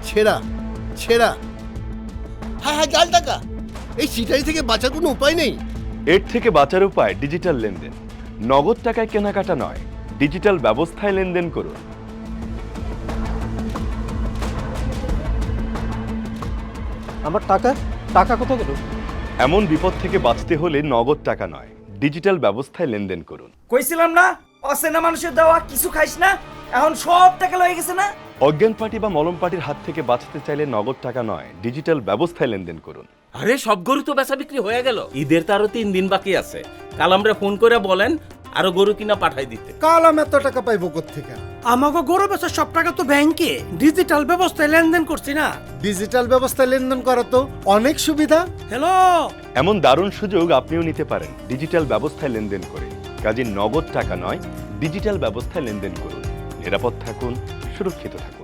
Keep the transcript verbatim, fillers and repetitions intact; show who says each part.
Speaker 1: ছেঁড়া ছেঁড়া। হ্যাঁ হ্যাঁ, জাল টাকা। এই সিটারি থেকে বাঁচার কোনো উপায় নেই?
Speaker 2: এর থেকে বাঁচার উপায় ডিজিটাল লেনদেন। নগদ টাকায় কেনাকাটা নয়, ডিজিটাল ব্যবস্থায় লেনদেন করুন।
Speaker 3: আমার টাকা টাকা কোথায় গেল?
Speaker 2: এমন বিপদ থেকে বাঁচতে হলে নগদ টাকা নয়, ডিজিটাল ব্যবস্থায় লেনদেন করুন।
Speaker 4: কইছিলাম না অচেনা মানুষের দেওয়া কিছু খাইস না, এখন সব টাকা লয়ে গেছে না।
Speaker 2: অজ্ঞান পার্টি বা মলম পার্টির হাত থেকে বাঁচতে চাইলে নগদ টাকা নয়, ডিজিটাল ব্যবস্থায় লেনদেন করুন।
Speaker 5: আরে সব গরু তো বেচা বিক্রি হয়ে গেল, ঈদের তো আরো তিন দিন বাকি আছে। কাল আমরা ফোন করে বলেন আরো গরু কিনা পাঠাই দিতে।
Speaker 6: কাল আমি এত টাকা পাইবো কোত্থেকে?
Speaker 7: আমাকে গরু বেচার সব টাকা তো ব্যাংকে ডিজিটাল ব্যবস্থায় লেনদেন করছি না।
Speaker 6: ডিজিটাল ব্যবস্থায় লেনদেন করা তো অনেক সুবিধা।
Speaker 7: হ্যালো,
Speaker 2: এমন দারুণ সুযোগ আপনিও নিতে পারেন ডিজিটাল ব্যবস্থায় লেনদেন করে। কাজে নগদ টাকা নয়, ডিজিটাল ব্যবস্থায় লেনদেন করুন। নিরাপদ থাকুন, সুরক্ষিত থাকুন।